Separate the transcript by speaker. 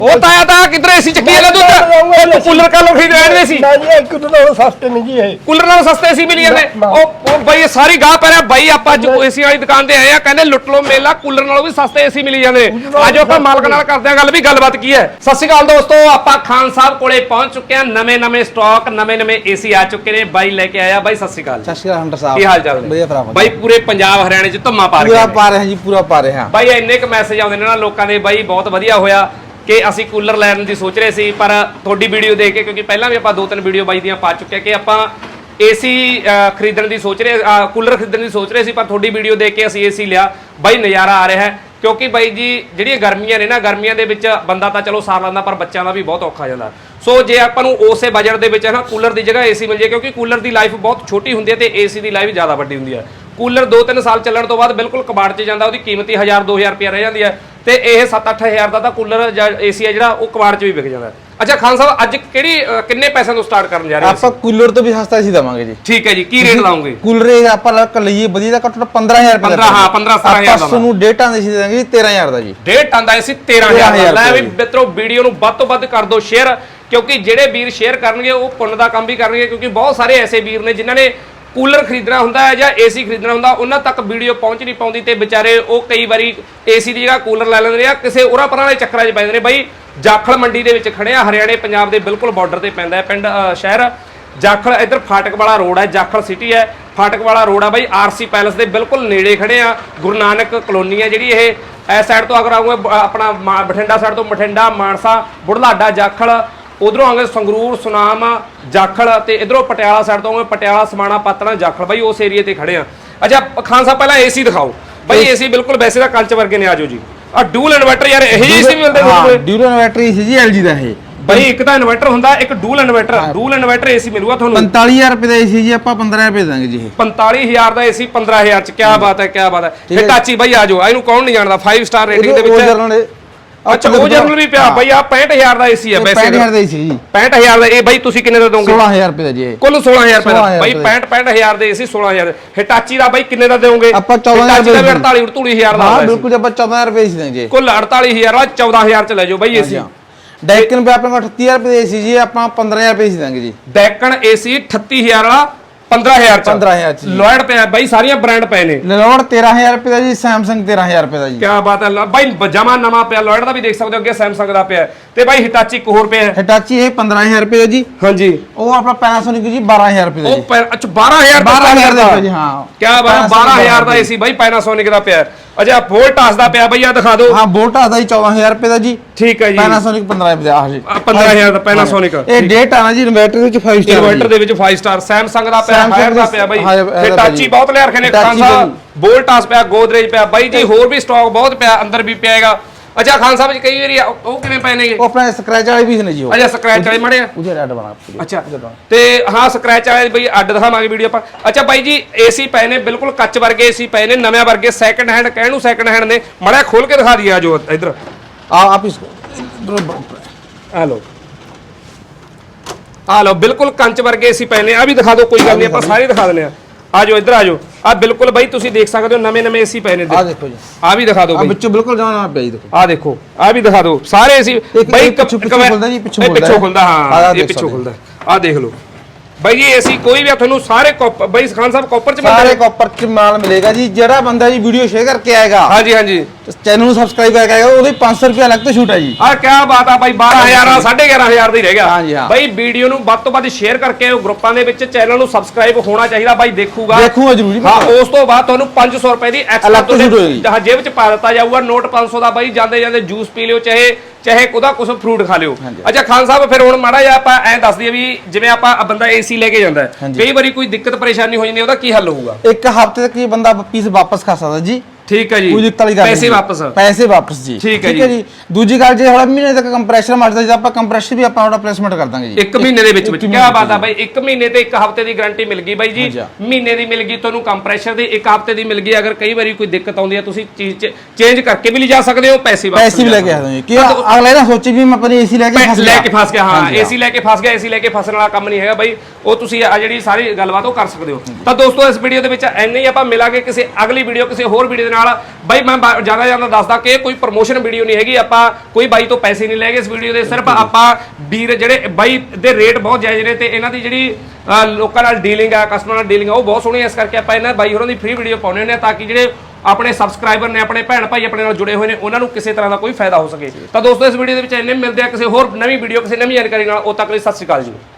Speaker 1: ਉਹ ਤਾਇਆ ਤਾਂ ਕਿਧਰ ਏਸੀ ਚੱਕੀ ਵਾਲਾ ਦੁੱਧ ਕੂਲਰ ਕਾ ਲੋ ਖਰੀਦ ਰਹੇ ਸੀ
Speaker 2: ਨਾ ਜੀ ਇੱਕ ਤੋਂ ਨਾਲੋਂ ਸਸਤੇ ਨਹੀਂ ਜੀ ਇਹ
Speaker 1: ਕੂਲਰ ਨਾਲੋਂ ਸਸਤੇ ਏਸੀ ਮਿਲੀ ਜਾਂਦੇ ਉਹ ਬਾਈ ਸਾਰੀ ਗਾਹ ਪੈ ਰਿਹਾ ਬਾਈ ਆਪਾਂ ਏਸੀ ਵਾਲੀ ਦੁਕਾਨ ਤੇ ਆਏ ਆ ਕਹਿੰਦੇ ਲੁੱਟ ਲੋ ਮੇਲਾ ਕੂਲਰ ਨਾਲੋਂ ਵੀ ਸਸਤੇ ਏਸੀ ਮਿਲੀ ਜਾਂਦੇ ਆਜੋ ਆਪਾਂ ਮਾਲਕ ਨਾਲ ਕਰਦੇ ਆ ਗੱਲ ਵੀ ਗੱਲਬਾਤ ਕੀ ਹੈ। ਸਤਿ ਸ਼੍ਰੀ ਅਕਾਲ ਦੋਸਤੋ, ਆਪਾਂ ਖਾਨ ਸਾਹਿਬ ਕੋਲੇ ਪਹੁੰਚ ਚੁੱਕੇ ਆ। ਨਵੇਂ ਸਟਾਕ ਨਵੇਂ ਏਸੀ ਆ ਚੁੱਕੇ ਨੇ। ਬਾਈ ਲੈ ਕੇ ਆਇਆ ਬਾਈ। ਸਤਿ ਸ਼੍ਰੀ ਅਕਾਲ।
Speaker 3: ਸਤਿ ਸ਼੍ਰੀ ਅਕਾਲ ਹੰਟਰ ਸਾਹਿਬ,
Speaker 1: ਕੀ ਹਾਲ ਚਾਲ
Speaker 3: ਵਧੀਆ ਭਰਾ
Speaker 1: ਬਾਈ? ਪੂਰੇ ਪੰਜਾਬ ਹਰਿਆਣੇ ਚ ਧੁੰਮਾ ਪਾ ਰਹੇ
Speaker 3: ਪੂਰਾ ਪਾ ਰਹੇ ਹਾਂ ਜੀ, ਪੂਰਾ ਪਾ ਰਹੇ ਹਾਂ
Speaker 1: ਬਾਈ। ਇੰਨੇ ਕ ਮੈਸੇਜ ਆਉਂਦੇ ਨੇ ਨਾ ਲੋਕਾਂ ਦੇ ਬਾਈ, ਬਹੁਤ ਵਧੀਆ ਹੋਇਆ ਕਿ ਅਸੀਂ ਕੂਲਰ ਲੈਣ ਦੀ ਸੋਚ ਰਹੇ ਸੀ, ਪਰ ਤੁਹਾਡੀ ਵੀਡੀਓ ਦੇਖ ਕੇ, ਕਿਉਂਕਿ ਪਹਿਲਾਂ ਵੀ ਆਪਾਂ 2-3 ਵੀਡੀਓ ਬਾਈ ਦੀਆਂ ਪਾ ਚੁੱਕੇ ਕਿ ਆਪਾਂ ਏਸੀ ਖਰੀਦਣ ਦੀ ਸੋਚ ਰਹੇ, ਕੂਲਰ ਖਰੀਦਣ ਦੀ ਸੋਚ ਰਹੇ ਸੀ, ਪਰ ਤੁਹਾਡੀ ਵੀਡੀਓ ਦੇਖ ਕੇ ਅਸੀਂ ਏਸੀ ਲਿਆ ਬਾਈ। ਨਜ਼ਾਰਾ ਆ ਰਿਹਾ ਹੈ ਕਿਉਂਕਿ ਬਾਈ ਜੀ ਜਿਹੜੀਆਂ ਗਰਮੀਆਂ ਨੇ ਨਾ, ਗਰਮੀਆਂ ਦੇ ਵਿੱਚ ਬੰਦਾ ਤਾਂ ਚਲੋ ਸਾਰ ਲੈਂਦਾ, ਪਰ ਬੱਚਿਆਂ ਦਾ ਵੀ ਬਹੁਤ ਔਖਾ ਜਾਂਦਾ। ਸੋ ਜੇ ਆਪਾਂ ਨੂੰ ਉਸੇ ਬਜਟ ਦੇ ਵਿੱਚ ਨਾ ਕੂਲਰ ਦੀ ਜਗ੍ਹਾ ਏਸੀ ਮਿਲ ਜਾਏ, ਕਿਉਂਕਿ ਕੂਲਰ ਦੀ ਲਾਈਫ ਬਹੁਤ ਛੋਟੀ ਹੁੰਦੀ ਹੈ ਤੇ ਏਸੀ ਦੀ ਲਾਈਫ ਜ਼ਿਆਦਾ ਵੱਡੀ ਹੁੰਦੀ ਹੈ। ਕੂਲਰ 2-3 ਸਾਲ ਚੱਲਣ ਤੋਂ ਬਾਅਦ ਬਿਲਕੁਲ ਕਬਾੜ 'ਚ ਜਾਂਦਾ, ਉਹਦੀ ਕੀਮਤ ਹੀ 1000-2000 ਰੁਪਇਆ ਰਹਿ ਜਾਂਦੀ ਹੈ, ਤੇ ਇਹ 7-8 ਹਜ਼ਾਰ ਦਾ ਤਾਂ ਕੂਲਰ ਜਾਂ ਏਸੀ ਹੈ ਜਿਹੜਾ ਉਹ ਕਬਾੜ 'ਚ ਵੀ ਵਿਕ ਜਾਂਦਾ। ਅੱਛਾ ਖਾਨ ਸਾਹਿਬ, ਅੱਜ ਕਿੰਨੇ ਪੈਸਿਆਂ ਤੋਂ ਸਟਾਰਟ ਕਰਨ ਜਾ ਰਹੇ ਹੋ?
Speaker 3: ਆਪਾਂ ਕੂਲਰ ਤੋਂ ਵੀ ਸਸਤਾ ਏਸੀ ਦਵਾਂਗੇ ਜੀ।
Speaker 1: ਠੀਕ ਹੈ ਜੀ, ਕੀ ਰੇਟ ਲਾਉਂਗੇ?
Speaker 3: ਕੂਲਰ ਇਹ ਆਪਾਂ ਲੱਕ ਲਈਏ ਵਧੀਆ ਦਾ ਘੱਟੋ 15000 ਰੁਪਏ ਦਾ।
Speaker 1: 15-17 ਹਜ਼ਾਰ ਦਾ।
Speaker 3: ਤੁਹਾਨੂੰ 1.5 ਟਨ ਏਸੀ ਦੇ ਦਾਂਗੇ 13000 ਦਾ ਜੀ।
Speaker 1: 1.5 ਟਨ ਦਾ ਏਸੀ 13000 ਦਾ। ਲੈ ਵੀ ਮਿੱਤਰੋ, ਵੀਡੀਓ ਨੂੰ ਵੱਧ ਤੋਂ ਵੱਧ ਕਰ ਦਿਓ ਸ਼ੇਅਰ, ਕਿਉਂਕਿ ਜਿਹੜੇ ਵੀਰ ਸ਼ੇਅਰ ਕਰਨਗੇ ਉਹ ਪੁੰਨ ਦਾ ਕੰਮ ਵੀ ਕਰਨਗੇ, ਕਿਉਂਕਿ ਬਹੁਤ ਸਾਰੇ ਐਸੇ ਵੀਰ ਨੇ ਜਿਨ੍ਹਾਂ ਨੇ ਕੂਲਰ ਖਰੀਦਣਾ ਹੁੰਦਾ ਹੈ ਜਾਂ ਏਸੀ ਖਰੀਦਣਾ ਹੁੰਦਾ, ਉਹਨਾਂ ਤੱਕ ਵੀਡੀਓ ਪਹੁੰਚ ਨਹੀਂ ਪਾਉਂਦੀ ਤੇ ਵਿਚਾਰੇ ਉਹ ਕਈ ਵਾਰੀ ਏਸੀ ਦੀ ਜਗ੍ਹਾ ਕੂਲਰ ਲੈ ਲੈਂਦੇ ਆ, ਕਿਸੇ ਉਰਾਂ ਪਰਾਂ ਵਾਲੇ ਚੱਕਰਾਂ 'ਚ ਪੈਂਦੇ ਨੇ। ਬਾਈ ਜਾਖਲ ਮੰਡੀ ਦੇ ਵਿੱਚ ਖੜੇ ਆ, ਹਰਿਆਣੇ ਪੰਜਾਬ ਦੇ ਬਿਲਕੁਲ ਬਾਰਡਰ ਤੇ ਪੈਂਦਾ ਹੈ ਪਿੰਡ ਸ਼ਹਿਰ ਜਾਖਲ। ਇੱਧਰ ਫਾਟਕ ਵਾਲਾ ਰੋਡ ਹੈ, ਜਾਖਲ ਸਿਟੀ ਹੈ, ਫਾਟਕ ਵਾਲਾ ਰੋਡ ਆ ਬਾਈ। ਆਰਸੀ ਪੈਲਸ ਦੇ ਬਿਲਕੁਲ ਨੇੜੇ ਖੜੇ ਆ। ਗੁਰੂ ਨਾਨਕ ਕਲੋਨੀ ਹੈ ਜਿਹੜੀ, ਇਹ ਇਸ ਸਾਈਡ ਤੋਂ ਅਗਰ ਆਉਂਗੇ ਆਪਣਾ ਬਠਿੰਡਾ ਸਾਈਡ ਤੋਂ ਬਠਿੰਡਾ, ਮਾਨਸਾ, ਬੁਢਲਾਡਾ, ਜਾਖਲ, ਉਧਰੋਂ ਆਉਂਗੇ ਸੰਗਰੂਰ, ਸੁਨਾਮ, ਜਾਖਲ, ਤੇ ਇਧਰੋਂ ਪਟਿਆਲਾ ਸਾਈਡ ਤੋਂ ਆਉਂਗੇ ਪਟਿਆਲਾ, ਸਮਾਣਾ, ਪਾਤਣਾ, ਜਾਖਲ। ਬਾਈ ਉਸ ਏਰੀਏ ਤੇ ਖੜੇ ਆ। ਅੱਛਾ ਖਾਨ ਸਾਹਿਬ, ਪਹਿਲਾਂ ਏਸੀ ਦਿਖਾਓ ਬਾਈ। ਏਸੀ ਬਿਲਕੁਲ ਵੈਸੇ ਤਾਂ ਕੰਚ ਵਰਗੇ ਨੇ। ਆਜੋ ਜੀ। ਆ ਡੂਲ ਇਨਵਰਟਰ ਯਾਰ, ਇਹ ਜਿਹੇ ਏਸੀ ਵੀ ਮਿਲਦੇ ਨੇ?
Speaker 3: ਡਿਊਲ ਇਨਵਰਟਰ ਏਸੀ ਜੀ LG ਦਾ ਇਹ
Speaker 1: ਬਾਈ। ਇੱਕ ਤਾਂ ਇਨਵਰਟਰ ਹੁੰਦਾ, ਇੱਕ dual inverter. Dual inverter AC ਮਿਲੂਗਾ ਤੁਹਾਨੂੰ
Speaker 3: 45000 ਰੁਪਏ ਦਾ ਏਸੀ ਜੀ, ਆਪਾਂ 15000 ਰੁਪਏ ਦਾਂਗੇ ਜੀ।
Speaker 1: 45000 ਦਾ ਏਸੀ 15000 ਚ। ਕੀ ਬਾਤ ਹੈ, ਕੀ ਬਾਤ ਹੈ। ਹਿਟਾਚੀ ਬਾਈ ਆਜੋ, ਇਹਨੂੰ ਕੌਣ ਨਹੀਂ ਜਾਣਦਾ, 5 ਸਟਾਰ ਰੇਟਿੰਗ ਦੇ ਵਿੱਚ। ਅੱਛਾ ਉਹ ਜਰਨਲ ਵੀ ਪਿਆ ਬਾਈ। ਆ 65000 ਦਾ ਏਸੀ ਹੈ ਵੈਸੇ।
Speaker 3: 65000 ਦਾ ਏਸੀ ਜੀ।
Speaker 1: 65000 ਦਾ। ਇਹ ਬਾਈ ਤੁਸੀਂ ਕਿੰਨੇ ਦਾ ਦੋਗੇ?
Speaker 3: 16000 ਰੁਪਏ ਦਾ ਜੀ।
Speaker 1: ਕੁੱਲ 16000 ਰੁਪਏ ਦਾ ਬਾਈ। 65000 ਦੇ ਏਸੀ 16000। ਹਿਟਾਚੀ ਦਾ ਬਾਈ ਕਿੰਨੇ ਦਾ ਦੋਗੇ?
Speaker 3: ਆਪਾਂ 14000
Speaker 1: ਦਾ 48-48000 ਦਾ।
Speaker 3: ਹਾਂ ਬਿਲਕੁਲ, ਆਪਾਂ 14000 ਰੁਪਏ ਏਸੀ ਦਾਂਗੇ।
Speaker 1: ਕੁੱਲ 48000 ਦਾ 14000 ਚ ਲੈ ਜਾਓ ਬਾਈ ਏਸੀ।
Speaker 3: ਡੈਕਨ पे ਆਪਣੇ ਕੋਲ 38000 ਰੁਪਏ ਦੇ ਏਸੀ ਜੀ, ਆਪਾਂ 15000 ਰੁਪਏ ਏਸੀ ਦਾਂਗੇ ਜੀ।
Speaker 1: ਡੈਕਨ ਏਸੀ 38000 ਵਾਲਾ 15000 ਚ।
Speaker 3: 15000 ਚ
Speaker 1: ਲੋਇਡ ਪਿਆ ਬਾਈ, ਸਾਰੀਆਂ ਬ੍ਰਾਂਡ ਪਏ ਨੇ।
Speaker 3: ਲੋਇਡ 13000 ਰੁਪਏ ਦਾ ਜੀ, ਸੈਮਸੰਗ 13000 ਰੁਪਏ ਦਾ ਜੀ।
Speaker 1: ਕੀ ਬਾਤ ਹੈ ਬਾਈ, ਜਮਾ ਨਵਾਂ ਪਿਆ। ਲੋਇਡ ਦਾ ਵੀ ਦੇਖ ਸਕਦੇ ਹੋ, ਅੱਗੇ ਸੈਮਸੰਗ ਦਾ ਪਿਆ। ਤੇ ਬਾਈ ਹਿਟਾਚੀ ਇੱਕ ਹੋਰ ਪਿਆ ਹੈ।
Speaker 3: ਹਿਟਾਚੀ ਇਹ 15000 ਰੁਪਏ ਦਾ ਜੀ।
Speaker 1: ਹਾਂਜੀ।
Speaker 3: ਉਹ ਆਪਣਾ ਪੈਨਾਸੋਨਿਕ ਜੀ 12000 ਰੁਪਏ ਦਾ ਜੀ।
Speaker 1: ਉਹ ਅੱਛਾ 12000
Speaker 3: ਦਾ ਜੀ। ਹਾਂ
Speaker 1: ਕੀ ਬਾਤ, 12000 ਦਾ ਏਸੀ ਬਾਈ ਪੈਨਾਸੋਨਿਕ ਦਾ ਪਿਆ। ਅੱਛਾ ਵੋਲਟਾਸ ਦਾ ਪਿਆ ਬਾਈ, ਆ ਦਿਖਾ ਦਿਓ।
Speaker 3: ਹਾਂ ਵੋਲਟਾਸ ਦਾ ਜੀ 14000 ਰੁਪਏ ਦਾ ਜੀ।
Speaker 1: ਠੀਕ ਹੈ ਜੀ।
Speaker 3: ਪੈਨਾਸੋਨਿਕ 15000 ਰੁਪਏ ਦਾ। ਆ ਜੀ
Speaker 1: 15000 ਦਾ ਪੈਨਾਸੋਨਿਕ।
Speaker 3: ਇਹ ਡੇਟ ਆਣਾ ਜੀ ਇਨਵਰਟਰ ਦੇ ਵਿੱਚ 5 ਸਟਾਰ।
Speaker 1: ਇਨਵਰਟਰ ਦੇ ਵਿੱਚ 5 ਸਟਾਰ। ਸੈਮਸੰਗ ਦਾ ਪਿਆ, ਹਾਇਰ ਦਾ ਪਿਆ ਬਾਈ। ਹਿਟਾਚੀ ਬਹੁਤ ਲਿਆ ਰਖੇ ਨੇ ਖਾਨ ਸਾਹਿਬ। ਵੋਲਟਾਸ ਪਿਆ, ਗੋਦਰੇਜ ਪਿਆ ਬਾਈ ਜੀ। ਹੋਰ ਵੀ ਸਟਾਕ ਬਹੁਤ ਪਿਆ, ਅੰਦਰ ਵੀ ਪਿਆਗਾ। ਅੱਛਾ ਖਾਨ ਸਾਹਿਬ ਜੀ, ਕਈ ਵਾਰੀ ਉਹ ਕਿਵੇਂ ਪਏ ਨੇਗੇ?
Speaker 3: ਉਹ ਆਪਣੇ ਸਕ੍ਰੈਚ ਵਾਲੇ ਵੀ ਨੇ ਜੀ।
Speaker 1: ਅੱਛਾ ਸਕ੍ਰੈਚ ਵਾਲੇ ਮੜੇ ਆ।
Speaker 3: ਉਹਦੇ ਅੱਡ ਬਣਾ।
Speaker 1: ਅੱਛਾ ਤੇ ਹਾਂ ਸਕ੍ਰੈਚ ਵਾਲੇ ਬਈ ਅੱਡ ਦਿਖਾਵਾਂਗੇ ਵੀਡੀਓ ਆਪਾਂ। ਅੱਛਾ ਬਾਈ ਜੀ, ਏਸੀ ਪਏ ਨੇ ਬਿਲਕੁਲ ਕੱਚ ਵਰਗੇ ਏਸੀ ਪਏ ਨੇ, ਨਵੇਂ ਵਰਗੇ, ਸੈਕੰਡ ਹੈਂਡ। ਕਹਿਣ ਨੂੰ ਸੈਕੰਡ ਹੈਂਡ ਨੇ, ਮੜਾ ਖੋਲ ਕੇ ਦਿਖਾ ਦਈਏ। ਆਜੋ ਇਧਰ
Speaker 3: ਆਪ ਇਸ
Speaker 1: ਆ ਲੋ, ਆ ਲੋ, ਬਿਲਕੁਲ ਕੰਚ ਵਰਗੇ ਏਸੀ ਪਏ ਨੇ। ਆ ਵੀ ਦਿਖਾ ਦਿਓ, ਕੋਈ ਗੱਲ ਨਹੀਂ, ਆਪਾਂ ਸਾਰੇ ਦਿਖਾ ਦਿੰਦੇ ਆ। ਆਜੋ ਇਧਰ ਆਜੋ। ਆ ਬਿਲਕੁਲ ਬਾਈ ਤੁਸੀਂ ਦੇਖ ਸਕਦੇ ਹੋ, ਨਵੇਂ ਏਸੀ ਪਏ ਨੇ।
Speaker 3: ਆ ਦੇਖੋ ਜੀ,
Speaker 1: ਆ ਵੀ ਦਿਖਾ ਦਿਓ ਬਾਈ।
Speaker 3: ਵਿੱਚੋਂ ਬਿਲਕੁਲ ਜਾਣਾ ਪਿਆ ਜੀ। ਦੇਖੋ
Speaker 1: ਆ ਦੇਖੋ, ਆ ਵੀ ਦਿਖਾ ਦਿਓ ਸਾਰੇ ਏਸੀ ਬਾਈ।
Speaker 3: ਪਿੱਛੋਂ ਖੁੱਲਦਾ ਜੀ, ਪਿੱਛੋਂ
Speaker 1: ਖੁੱਲਦਾ। ਹਾਂ ਇਹ ਪਿੱਛੋਂ ਖੁੱਲਦਾ। ਆ ਦੇਖ ਲਓ ਬਾਈ ਜੀ, ਏਸੀ ਕੋਈ ਵੀ ਤੁਹਾਨੂੰ ਸਾਰੇ ਬਾਈ ਖਾਨ ਸਾਹਿਬ ਕਾਪਰ ਚ
Speaker 3: ਸਾਰੇ ਕਾਪਰ ਚ ਮਾਲ ਮਿਲੇਗਾ ਜੀ। ਜਿਹੜਾ ਬੰਦਾ ਜੀ ਵੀਡੀਓ ਸ਼ੇਅਰ ਕਰਕੇ ਆਏਗਾ,
Speaker 1: ਹਾਂਜੀ ਹਾਂਜੀ,
Speaker 3: ਚੈਨਲ ਨੂੰ ਸਬਸਕ੍ਰਾਈਬ ਕਰਕੇ ਆਏਗਾ, ਉਹਦੇ 500 ਰੁਪਏ ਅਲੱਗ ਤੋਂ ਛੂਟ ਹੈ ਜੀ।
Speaker 1: ਆ ਕੀ ਬਾਤ ਆ ਬਾਈ। 12000 ਦਾ 11500 ਦਾ ਹੀ ਰਹਿ ਗਿਆ।
Speaker 3: ਹਾਂਜੀ ਹਾਂ
Speaker 1: ਬਾਈ ਵੀਡੀਓ ਨੂੰ ਵੱਧ ਤੋਂ ਵੱਧ ਸ਼ੇਅਰ ਕਰਕੇ ਆਓ ਗਰੁੱਪਾਂ ਦੇ ਵਿੱਚ। ਚੈਨਲ ਨੂੰ ਸਬਸਕ੍ਰਾਈਬ ਹੋਣਾ ਚਾਹੀਦਾ ਬਾਈ। ਦੇਖੂਗਾ
Speaker 3: ਜ਼ਰੂਰੀ।
Speaker 1: ਹਾਂ ਉਸ ਤੋਂ ਬਾਅਦ ਤੁਹਾਨੂੰ 500 ਰੁਪਏ ਦੀ ਐਕਸਟਰਾ ਜੇਬ ਚ ਪਾ ਦਿੱਤਾ ਜਾਊਗਾ। ਨੋਟ 500 ਦਾ ਬਾਈ। ਜਾਂਦੇ ਜਾਂਦੇ ਜੂਸ ਪੀ ਲਿਓ, ਚਾਹੇ ਉਹਦਾ ਕੁਝ ਫਰੂਟ ਖਾ ਲਿਓ। ਅੱਛਾ ਖਾਨ ਸਾਹਿਬ, ਫਿਰ ਹੁਣ ਮਾੜਾ ਜਿਹਾ ਆਪਾਂ ਐਂ ਦੱਸ ਦਈਏ ਵੀ ਜਿਵੇਂ ਆਪਾਂ ਬੰਦਾ ਏਸੀ ਲੈ ਕੇ ਜਾਂਦਾ, ਕਈ ਵਾਰੀ ਕੋਈ ਦਿੱਕਤ ਪਰੇਸ਼ਾਨੀ ਹੋ ਜਾਂਦੀ, ਉਹਦਾ ਕੀ ਹੱਲ ਹੋਊਗਾ?
Speaker 3: ਇੱਕ ਹਫ਼ਤੇ ਤੱਕ ਬੰਦਾ ਪੀਸ ਵਾਪਸ ਕਰ ਸਕਦਾ ਜੀ।
Speaker 1: ਠੀਕ ਹੈ ਜੀ।
Speaker 3: ਕੋਈ ਦਿੱਕਤ ਵਾਲੀ ਗੱਲ
Speaker 1: ਪੈਸੇ ਵਾਪਸ।
Speaker 3: ਪੈਸੇ ਵਾਪਸ ਜੀ।
Speaker 1: ਠੀਕ ਹੈ ਜੀ।
Speaker 3: ਦੂਜੀ ਗੱਲ, ਜੇ ਹੁਣ ਮਹੀਨੇ ਤੱਕ ਕੰਪਰੈਸ਼ਰ ਮਾਰਦਾ ਜੀ, ਆਪਾਂ ਕੰਪਰੈਸ਼ਰ ਵੀ ਆਪਾਂ ਉਹਦਾ ਪਲੇਸਮੈਂਟ ਕਰ ਦਾਂਗੇ ਜੀ
Speaker 1: 1 ਮਹੀਨੇ ਦੇ ਵਿੱਚ। ਕੀ ਬਾਤ ਆ ਬਾਈ। 1 ਮਹੀਨੇ ਤੇ 1 ਹਫ਼ਤੇ ਦੀ ਗਾਰੰਟੀ ਮਿਲ ਗਈ ਬਾਈ ਜੀ। ਮਹੀਨੇ ਦੀ ਮਿਲ ਗਈ ਤੁਹਾਨੂੰ ਕੰਪਰੈਸ਼ਰ ਦੀ, 1 ਹਫ਼ਤੇ ਦੀ ਮਿਲ ਗਈ। ਅਗਰ ਕਈ ਵਾਰੀ ਕੋਈ ਦਿੱਕਤ ਆਉਂਦੀ ਹੈ, ਤੁਸੀਂ ਚੀਜ਼ ਚੇਂਜ ਕਰਕੇ ਵੀ ਲਿਜਾ ਸਕਦੇ ਹੋ। ਪੈਸੇ
Speaker 3: ਵੀ ਲੈ ਕੇ ਆ ਸਕਦੇ ਕਿ ਅਗਲੇ ਨਾ ਸੋਚੇ ਵੀ ਮੈਂ ਆਪਣੀ ਏਸੀ ਲੈ ਕੇ
Speaker 1: ਫਸ ਗਿਆ। ਹਾਂ ਏਸੀ ਲੈ ਕੇ ਫਸ ਗਿਆ। ਏਸੀ ਲੈ ਕੇ ਫਸਣ ਵਾਲਾ ਕੰਮ ਨਹੀਂ ਹੈਗਾ ਬਾਈ। ਉਹ ਤੁਸੀਂ ਆ ਜਿਹੜੀ ਸਾਰੀ ਗੱਲਬਾਤ ਉਹ ਕਰ ਸਕਦੇ ਹੋ। ਤਾਂ ਦੋਸਤੋ ਇਸ ਵੀਡੀਓ ਦੇ ਵਿੱਚ ਇੰਨੇ ਹੀ, ਆਪਾਂ ਮਿਲਾਂਗੇ ਕਿਸੇ ਅਗਲੀ ਵੀਡੀਓ ਕਿਸੇ ਹੋਰ ਵੀਡੀਓ ਦੇ ਨਾਲ। ਬਾਈ ਮੈਂ ਜ਼ਿਆਦਾ ਦੱਸਦਾ ਕਿ ਕੋਈ ਪ੍ਰਮੋਸ਼ਨ ਵੀਡੀਓ ਨਹੀਂ ਹੈਗੀ, ਆਪਾਂ ਕੋਈ ਬਾਈ ਤੋਂ ਪੈਸੇ ਨਹੀਂ ਲੈਗੇ ਇਸ ਵੀਡੀਓ ਦੇ, ਸਿਰਫ ਆਪਾਂ ਵੀਰ ਜਿਹੜੇ ਬਾਈ ਦੇ ਰੇਟ ਬਹੁਤ ਜਾਇਜ਼ ਨੇ ਤੇ ਇਹਨਾਂ ਦੀ ਜਿਹੜੀ ਲੋਕਾਂ ਨਾਲ ਡੀਲਿੰਗ ਆ, ਕਸਟਮਰ ਨਾਲ ਡੀਲਿੰਗ ਆ, ਉਹ ਬਹੁਤ ਸੋਹਣੀ ਹੈ। ਇਸ ਕਰਕੇ ਆਪਾਂ ਇਹਨਾਂ ਬਾਈ ਹੋਰਾਂ ਦੀ ਫ੍ਰੀ ਵੀਡੀਓ ਪਾਉਂਦੇ ਹੁੰਦੇ ਆ ਤਾਂ ਕਿ ਜਿਹੜੇ ਆਪਣੇ ਸਬਸਕ੍ਰਾਈਬਰ ਨੇ, ਆਪਣੇ ਭੈਣ ਭਾਈ ਆਪਣੇ ਨਾਲ ਜੁੜੇ ਹੋਏ ਨੇ, ਉਹਨਾਂ ਨੂੰ ਕਿਸੇ ਤਰ੍ਹਾਂ ਦਾ ਕੋਈ ਫਾਇਦਾ ਹੋ ਸਕੇ। ਤਾਂ ਦੋਸਤੋ ਇਸ ਵੀਡੀਓ ਦੇ ਵਿੱਚ ਇੰਨੇ ਮਿਲਦੇ ਆ ਕਿਸੇ ਹੋਰ ਨਵੀਂ ਵੀਡੀਓ ਕਿਸੇ ਨਵੀਂ ਜਾਣਕਾਰੀ ਨਾਲ। ਉਦੋਂ ਤੱਕ ਲਈ ਸਤਿ ਸ਼੍ਰੀ ਅਕਾਲ ਜੀ।